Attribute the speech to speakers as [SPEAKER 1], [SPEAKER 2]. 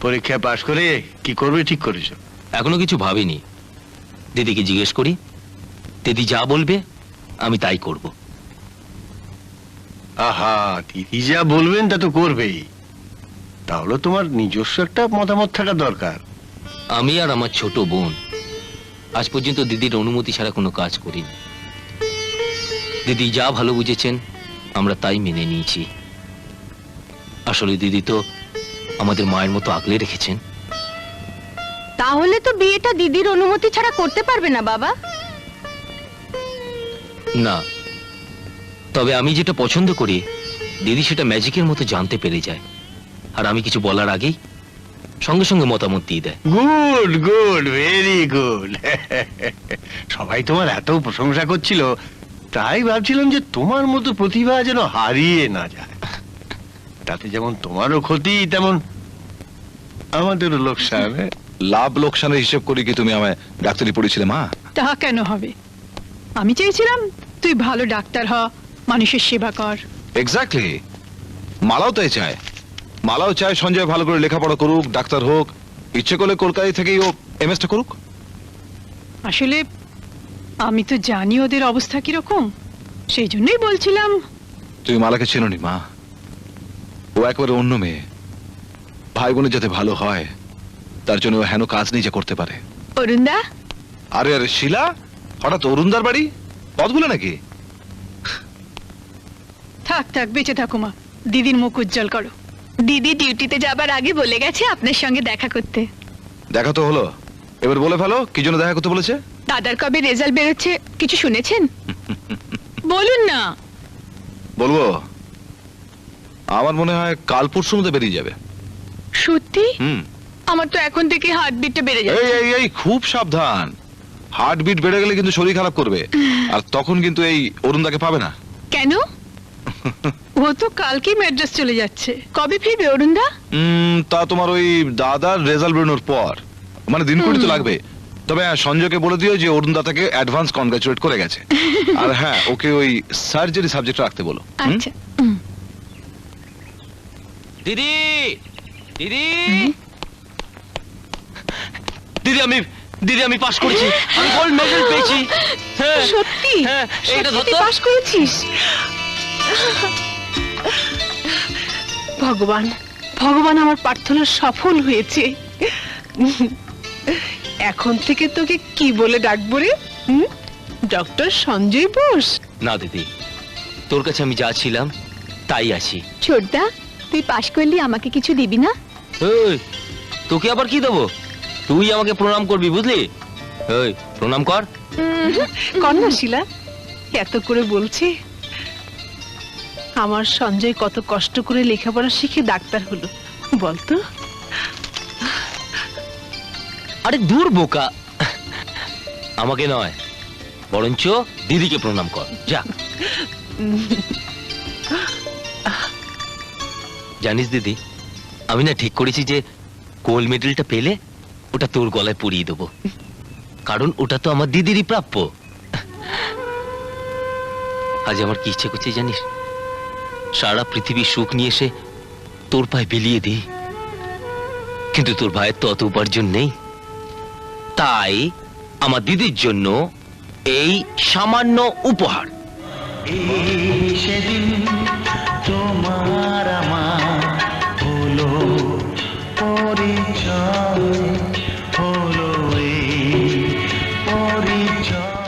[SPEAKER 1] পরীক্ষায় পাশ করে কি করবে ঠিক করেছো?
[SPEAKER 2] এখনো কিছু ভাবিনি, দিদিকে জিজ্ঞেস করি, দিদি যা বলবে আমি তাই করব।
[SPEAKER 1] আহা, দিদি যা বলবেন তা তো করবেই, তাহলে তোমার নিজস্ব একটা মতামত থাকা দরকার।
[SPEAKER 2] আমি আর আমার ছোট বোন আজ পর্যন্ত দিদির অনুমতি ছাড়া কোনো কাজ করিনি। দিদি যা ভালো বুঝেছেন আমরা তাই মেনে নিয়েছি। আসলে দিদি তো আমাদের মায়ের মতো আগলে রেখেছেন।
[SPEAKER 3] তাহলে তো বিয়েটা দিদির অনুমতি ছাড়া করতে পারবে না বাবা।
[SPEAKER 2] না, তবে আমি যেটা পছন্দ করি দিদি সেটা ম্যাজিকের মতো জানতে পেরে যায়, আর আমি কিছু বলার আগেই সঙ্গে সঙ্গে মতামত দিয়ে দেয়।
[SPEAKER 1] Good good, very good. সবাই তোমার এত প্রশংসা করছিল, তাই ভাবছিলাম যে তোমার মতো প্রতিভা যেন হারিয়ে না যায়। তাতে যেমন তোমারও ক্ষতি, তেমন আমাদেরও লোকসান।
[SPEAKER 4] লাভ লোকসানের হিসেব করি কি তুমি আমায় ডাক্তারি পড়েছিলে মা?
[SPEAKER 5] তা কেন হবে? আমি চেয়েছিলাম তুই ভালো ডাক্তার হ, মানুষের সেবা কর।
[SPEAKER 4] এক্স্যাক্টলি, মালাও তাই চায়। মালাও চায় সঞ্জয় ভালো করে লেখাপড়া করুক, ডাক্তার হোক, ইচ্ছে করলে কলকাতা থেকেই ও এমএসটা করুক।
[SPEAKER 5] আসলে আমি তো জানি ওদের অবস্থা কিরকম, সেই জন্যই বলছিলাম।
[SPEAKER 4] তুমি মালাকে চেনোনি মা, ও একবারে অন্য মেয়ে। ভাই বোনের যাতে ভালো হয় তার জন্য ও হেন কাজ নিজে করতে পারে।
[SPEAKER 5] অরুণদা,
[SPEAKER 4] আরে আরে শিলা, হঠাৎ অরুণদার বাড়ি? পথগুলো নাকি?
[SPEAKER 5] থাক থাক, বেঁচে থাকো মা, দিদির মুখ উজ্জ্বল করো। দিদি ডিউটিতে যাবার আগে বলে গেছে আপনার সঙ্গে দেখা করতে।
[SPEAKER 4] দেখা তো হলো, এবার বলে ফেলো কি জন্য দেখা করতে বলেছে।
[SPEAKER 5] দাদার কবে রেজাল্ট বেরোচ্ছে কিছু শুনেছেন? বলুন না।
[SPEAKER 4] বলবো, আমার মনে হয় কাল পরশুর মধ্যে বেরিয়ে যাবে।
[SPEAKER 5] সত্যি?
[SPEAKER 4] হুম।
[SPEAKER 5] আমার তো এখন থেকে হার্টবিটটা বেড়ে
[SPEAKER 4] এই
[SPEAKER 5] যাচ্ছে।
[SPEAKER 4] এই এই খুব সাবধান, হার্টবিট বেড়ে গেলে কিন্তু শরীর খারাপ করবে, আর তখন কিন্তু এই অরুণদাকে পাবে না।
[SPEAKER 5] কেন? ও তো কালকেই ম্যাড্রাস চলে যাচ্ছে, কবে ফিরবে অরুণদা?
[SPEAKER 4] তা তোমার ওই দাদার রেজাল্ট বেরোনোর পর, মানে দিন কুড়ি তো লাগবে। তবে হ্যাঁ, সঞ্জয়কে বলে দিও যে অরুণদা তাকে অ্যাডভান্স কনগ্রাচুলেট করে গেছে। আর হ্যাঁ, ওকে ওই সার্জারি সাবজেক্ট রাখতে বলো।
[SPEAKER 5] আচ্ছা।
[SPEAKER 2] দিদি, দিদি, দিদি আমি পাশ করেছি, আমি গোল্ড মেডেল পেয়েছি। হ্যাঁ,
[SPEAKER 3] সত্যি?
[SPEAKER 2] হ্যাঁ, এইটা ধর
[SPEAKER 3] তুই
[SPEAKER 2] তো।
[SPEAKER 3] পাশ করেছিস? ভগবান, ভগবান, আমার প্রার্থনা সফল হয়েছে। এখন থেকে তোকে কি বলে ডাকবো রে? ডক্টর সঞ্জয় বোস?
[SPEAKER 2] না দিদি, তোর কাছে আমি যা ছিলাম তাই আছি।
[SPEAKER 3] ছোটদা, তুই পাশ করলি, আমাকে কিছু দিবি না?
[SPEAKER 2] এই, তোকে আবার কি দেবো? তুই আমাকে প্রণাম করবি, বুঝলি? এই, প্রণাম কর।
[SPEAKER 3] কর না শিলা, এত করে বলছি। আমার সঞ্জয় কত কষ্ট করে লেখাপড়া শিখে ডাক্তার হলো, বলতো?
[SPEAKER 2] আরে দূর বোকা, আমাকে নয় বরঞ্চ দিদিকে প্রণাম কর, যা। জানিস দিদি, আমি না ঠিক করেছি যে গোল্ড মেডেলটা পেলে ওটা তোর গলায় পরিয়ে দেবো, কারণ ওটা তো আমার দিদিরই প্রাপ্য। আজ আমার কি ইচ্ছে করছে জানিস? সারা পৃথিবীর সুখ নিয়ে এসে তোর পায়ে বিলিয়ে দিই, কিন্তু তোর ভাইয়ের তো অত উপার্জন নেই, তাই আমার দিদির জন্য এই সামান্য উপহার।
[SPEAKER 6] সেদিন তোমার আমার হলো পরিচয়, হলো এই পরিচয়।